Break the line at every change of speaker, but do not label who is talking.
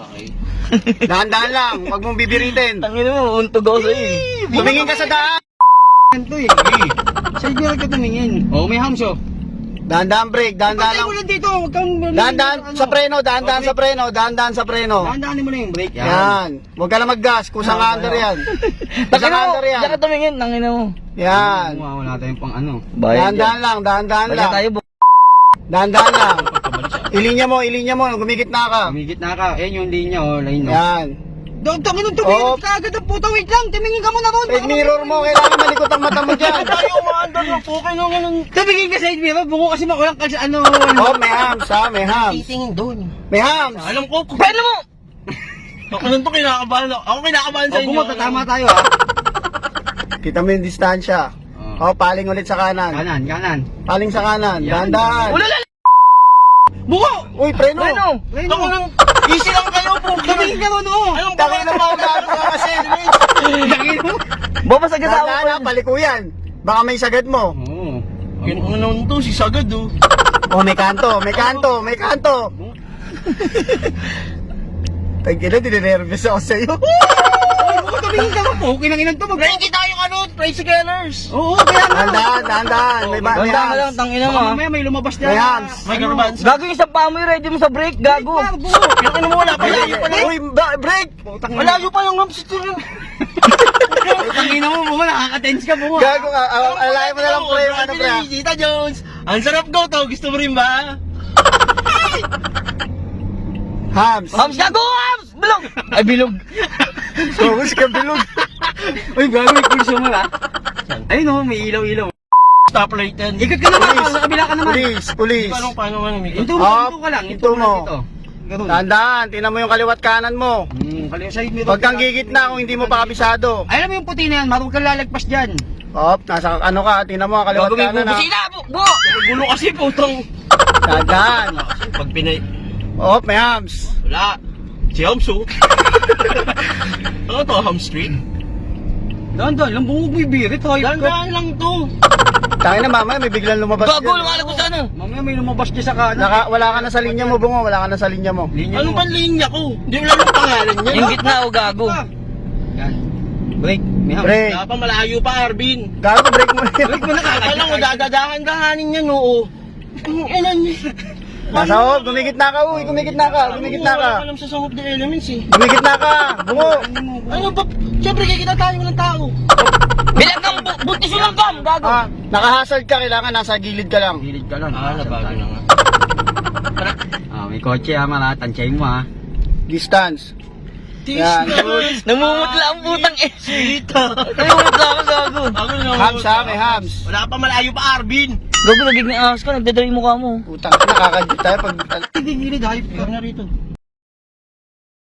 Okay.
Dahan-dahan lang, huwag mong bibiritin.
Tangin mo, untog ako sa'yo eh.
Tumingin ka sa daan.
Ito eh. Sa'yo ka ka tumingin. Oh, may hams oh.
Dahan-dahan break, dahan-dahan
Patay
lang.
mo lang dito. Huwag kang...
Dahan-dahan sa preno, dahan-dahan sa preno, dahan-dahan sa preno.
Dahan-dahanin mo na yung brake.
Yan. Huwag ka lang mag-gas, kusang under yan. Kusang
Tangin mo,
under yan.
diyan ka tumingin, tangin mo.
Yan.
Wala tayong pang ano.
Bayad
Dahan-dahan lang, dahan-dahan
Bayad
lang.
tayo,
Dahan-dahan lang. Ilinya mo, gumigit na ka.
Umigit na ka. Ayan yung linya oh. Line no.
Yan.
Tangin nung
Oh.
tumingin ka agad ang puta. Wait lang. Tumingin ka muna ron.
Side mirror mo, kailangan malikot ang mata mo dyan.
Tayo umaandar ng pukay nung ganun. Tumingin ka side mirror. Bungo kasi makulang ka sa ano.
Oh, may hams ha, may hams.
Titingin doon.
May hams.
Alam ko.
Paano mo?
Ako nung to kinakabahan. Ako kinakabahan sa inyo. Bungo, tatama tayo ha.
Kita mo yung distansya. Oh, paling ulit sa kanan.
Kanan.
Paling sa kanan,
Yan.
dahan-dahan.
Ulala!
Bungo!
Uy, preno.
Paano?
Ako nang easy lang kayo po. Tumingin ka ron oh. Anong
Tangin na mga gago ka kasi.
Tangin mo.
Babas agad ako.
Dahan-dahan ha, palikuyan. Baka may sagad mo.
Oo. Ano naman to, si Sagad oh.
Oh, may kanto, may kanto, may kanto. Tagina, dinenervous ako sa'yo.
Tumingin ka po. Kinanginan to. Ready tayo ano, tricyclers. Oo, kaya nga.
Dahan-dahan, dahan-dahan. May
Dahan ka lang,
hams.
tangin mo
Baka
ha.
mamaya may lumabas na.
May hams.
May garbans.
Gago yung isang paa mo, ready mo sa break, gago.
Pinakino mo wala pa layo pa lang.
Uy, break!
Malayo pa yung hams ito. Tangina mo mo, nakaka-tense ka mo.
Gago ka, alayin mo na lang pre, ano pre.
Tita Jones, ang sarap go to. Gusto mo rin ba?
Hams.
Hams, gago, hams! Bilog! Ay, bilog.
Focus ka bilog.
Uy, gago may pulso mo ha. Ayun o, may ilaw-ilaw. Stoplight yan. Ikot ka naman,
Police.
sa kabila ka naman.
Police.
Paano umikot?
Up,
Hinto ka lang.
hinto mo.
Ganun.
Dahan-dahan, tingnan mo yung kaliwat kanan mo.
Kaliwa side mirror.
Huwag kang gigitna kung hindi mo pa kabisado.
Alam mo yung puti na yan, marunong kang lalagpas dyan.
Op, nasa ano ka, tingnan mo ang kaliwat
Gago, may
kanan ha.
bubusina, bu!
Gulo kasi putong.
Dahan.
Pag pinay...
Op, may hams.
Wala. Si Hamso. Ano to, Ham Street? Dahan-dahan lang, bumog may birit. Dahan-dahan lang to.
Tangin na mamaya, may biglang lumabas
Gago,
dyan.
lumalag ko sa ano.
Mamaya may lumabas niya sa kanan.
Wala ka na sa linya mo, bungo. Wala ka na sa linya mo.
Anong pang linya ko? Hindi mo lang ang pangalan niya.
Yung gitna o gago.
Yan. Break. May ham.
Break.
Wala pa, malayo pa, Arvin.
Gago, break mo yan.
Break mo na kakala mo, dadadahan-dahanin niya, oo. Ang ilan niya.
Nasa hop, gumigitna ka, uy, gumigitna ka, gumigitna ka.
Wala alam sa Song of the Elements eh.
Gumigitna ka, bungo.
Ano ba? Siyempre, kikita tayo ng tao.
Bilang kang buntis yung langgam, gago.
Ah, nakahazard ka, kailangan nasa gilid ka lang.
Gilid ka lang. Nabago na nga. May kotse ha, mga tansyahin mo ha.
Distance. Yan.
Namumutla ang putang eh.
Sita.
Namumutla ako, gago.
Hams ha, may hams.
Wala pa, malayo pa, Arvin.
Gago, nagiging ahas ka, nagdadry mo ka mo.
Putang, nakakadyo tayo pag...
Hindi gilid, hayop ka na rito.